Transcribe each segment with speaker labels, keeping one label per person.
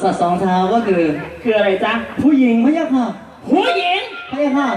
Speaker 1: สัตว์สองเท้าก็คือ
Speaker 2: อะไรจ๊ะ
Speaker 1: ผู้หญิงพะยะค่ะ
Speaker 2: ผู้หญิง
Speaker 1: พะยะค่ะ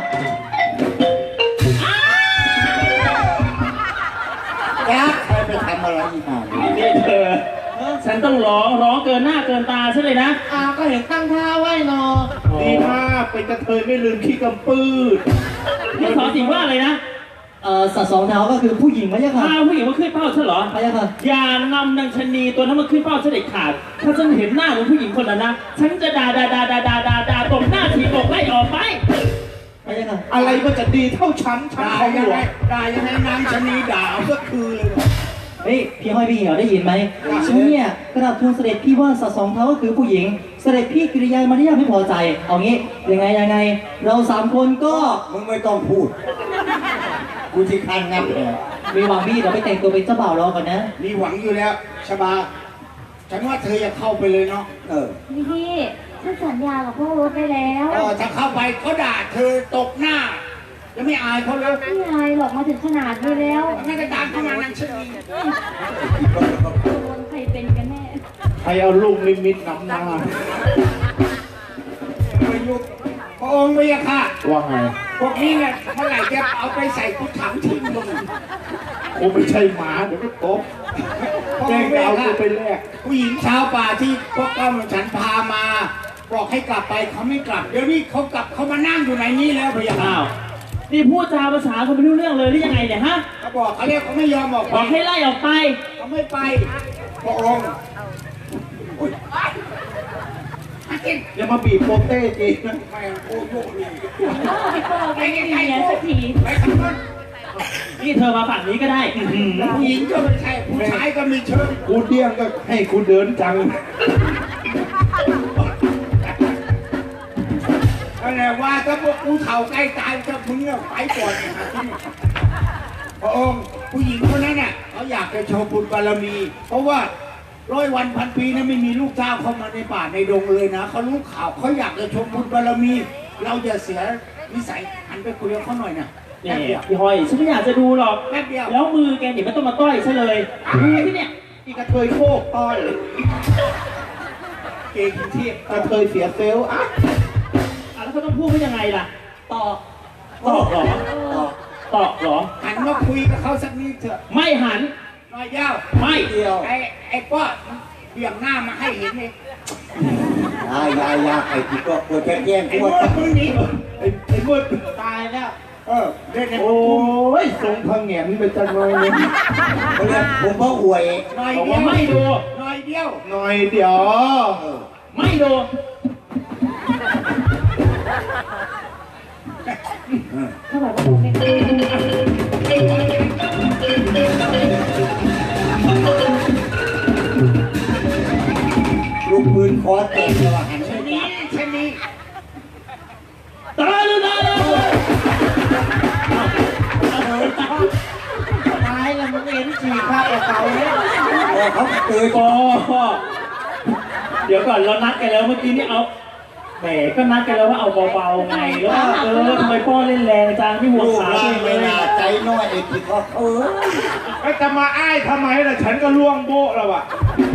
Speaker 3: ยักษ์ใครไปทำอะไรอีกอ่ะ
Speaker 2: นี่เธอฉันต้องร้องเกินหน้าเกินตาใช่เลยนะ
Speaker 3: ก็เห็นตั้งท่าไว้นอดีมากเป็นกระเทยไม่ลืมขี้กำปื้ด
Speaker 2: นี่สอนสิว่าอะไรนะ
Speaker 1: สัตว์สองเท้าก็คือผู้หญิงพะยะค่ะ
Speaker 2: ผู้หญิงมาขึ้นเป้าฉันเหรอ
Speaker 1: พะยะค่ะ
Speaker 2: อย่านำนางชนีตัวนั้นมาขึ้นเป้าฉันเด็ดขาดถ้าฉันเห็นหน้าของผู้หญิงคนนั้นนะฉันจะด่าตบหน้าทีบอกไล่ออกไป
Speaker 3: อะไรมันจะดีเท่าฉันเขาหัวด่ายังไงนางชนีด่าเอาก็คือเลย
Speaker 1: เฮ้ยพี่ห้อยพี่เหี่ยวได้ยินไหมฉันเนี่ยกราบทูลเสด็จพี่ว่าสัตว์สองเท้าก็คือผู้หญิงเสด็จพี่กิริยามารยาทไม่พอใจเอางี้ยังไงเรา3 คนก็
Speaker 3: มึงไม่ต้องพูดกูที่คันงับเลย
Speaker 1: มีหวังพี่เดี๋ยวไปแต่งตัวเป็นเจ้าบ่าวรอก่อนนะ
Speaker 3: มีหวังอยู่แล้วชบาฉันว่าเธออย่าเข้าไปเลยเนาะ
Speaker 4: พี่ฉันสัญญากับพ่อรถไปแล้ว
Speaker 3: ถ้าเข้าไปเขาด่าเธอตกหน้าจะไม่อายเขาเลย
Speaker 4: ไม่อายหรอกมาถึงขนาดนี้แล้ว
Speaker 3: ไม่ได้ตามเข้ามานางชนี
Speaker 4: ใครเป็นกันแน่
Speaker 3: ใครเอาลูกลิมิตนำหน้าประยุกต์พระองค์ไม่ยากค่ะ
Speaker 2: ว่าไง
Speaker 3: พวกนี้เนี่ยเมื่อไหร่จะเอาไปใส่กุฏถังทิ้งลงโอ้ไม่ใช่หมาเดี๋ยวก็ตบแจ้งเอาตัวไปแลกผู้หญิงชาวป่าที่พวกก้าวฉันพามาบอกให้กลับไปเขาไม่กลับเดี๋ยวนี้เขากลับเขามานั่งอยู่ในนี้แล้วพะยะค่ะ
Speaker 2: นี่พูดจาภาษาคนไม่รู้เรื่องเลยหรือยังไงเนี่ยฮะ
Speaker 3: เขาบอกเขาเรียกเขาไม่ยอมบอก
Speaker 2: ให้ไล่ออกไป
Speaker 3: เขาไม่ไปพระองค์อย่ามาบีบโปเต้จีนะไม่โอ้โห
Speaker 4: ไปเมียสักที
Speaker 3: ไปทำนั้น
Speaker 2: นี่เธอมาฝั่งนี้ก็ได้
Speaker 3: ผู้หญิงก็ไม่ใช่ผู้ชายก็มีเชิญ
Speaker 2: กูเดี้ยงก็ให้กูเดินจัง
Speaker 3: อะไรว่าถ้าพวกกูเฒ่าใกล้ตายจะมึงไปก่อนพระองค์ผู้หญิงคนนั้นน่ะเขาอยากจะโชว์บุญบารมี เพราะว่า100 วันพันปีนั้นไม่มีลูกเจ้าเข้ามาในป่าในดงเลยนะเขารู้ข่าวเขาอยากจะชมบุญบารมี เราจะเสียนิสัยหันไปคุยกับเขาหน่อยนะ
Speaker 2: นี่พี่หอยฉันไม่อยากจะดูหรอก
Speaker 3: แป๊บเดียว
Speaker 2: แล้วมือแกอย่าไม่ต้องมาต้อยซะเลยมือที่เนี่ย
Speaker 3: อีกระเทยโคกต้อยเก่งที่กระเทยเสียเซลล์
Speaker 2: แล้วเขาต้องพูดว่ายังไงล่ะตอกเหรอตอกเหรอ
Speaker 3: หันมาคุยกับเขาสักนิดเถอะ
Speaker 2: ไม่หัน
Speaker 3: น้อยยาว
Speaker 2: ไม่
Speaker 3: เดียวไอ้ป้อเบี่ยงหน้ามาให้เห็นเลยยาไอ้ที่ก็ปวดแก้มปวดมึงนี่ไอ้มืดตายแล้วเล่น
Speaker 2: โอ้ยทรงพังแหงไปจังเลย
Speaker 3: เขาเรียกผมก็อวย
Speaker 2: น้อยเดียวไม่ดู
Speaker 3: น้อยเดียว
Speaker 2: ไม่ดู
Speaker 4: ถ้าแบบว่าไม่ได้
Speaker 3: ลูกปืนคอแตกเลยว่ะหันชนี
Speaker 2: ตายแล้ว
Speaker 3: มึงเห็นฉีกภาพเก่าเนี่ยเขาเตือน
Speaker 2: เดี๋ยวก่อนเรานัดกันแล้วเมื่อกี้นี่เอาแหมก็นัดกันแล้วว่าเอาเบาๆไงแล้วทำไมพ่อเล่นแรงจังที่หัวขา
Speaker 3: เลยใจน้อยไอ้ที่เขา
Speaker 2: ไอ้จะมาอ้ายทำไมล่ะฉันก็ล่วงโบ๊ะแล้วอ่ะ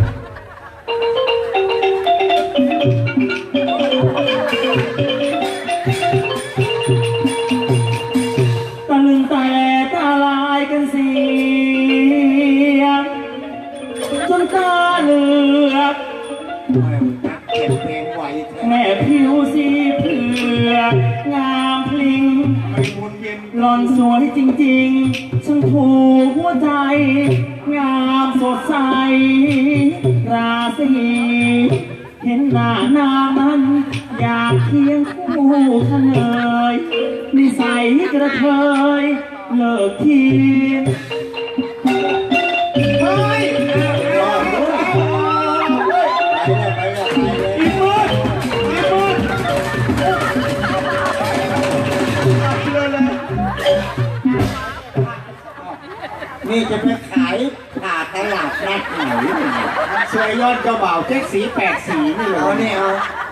Speaker 2: ตะลึงแต่ตาลายกันเสียงจนตาเหลือกแม่ผิวสีเผือกงามพลิงหล่อนสวยจริงๆช่างถูกหัวใจงามสดใสราศีเห็นหน้านางนั้นอยากเคียงคู่เฉลยนิสัยกระเทยเลิกที
Speaker 3: นี่จะไปขายผ่าตลาดนัดไหนเสื้อยอดเจ้าบ่าวเจ๊กสี8 สีนี่เหรอเนี่ยเอา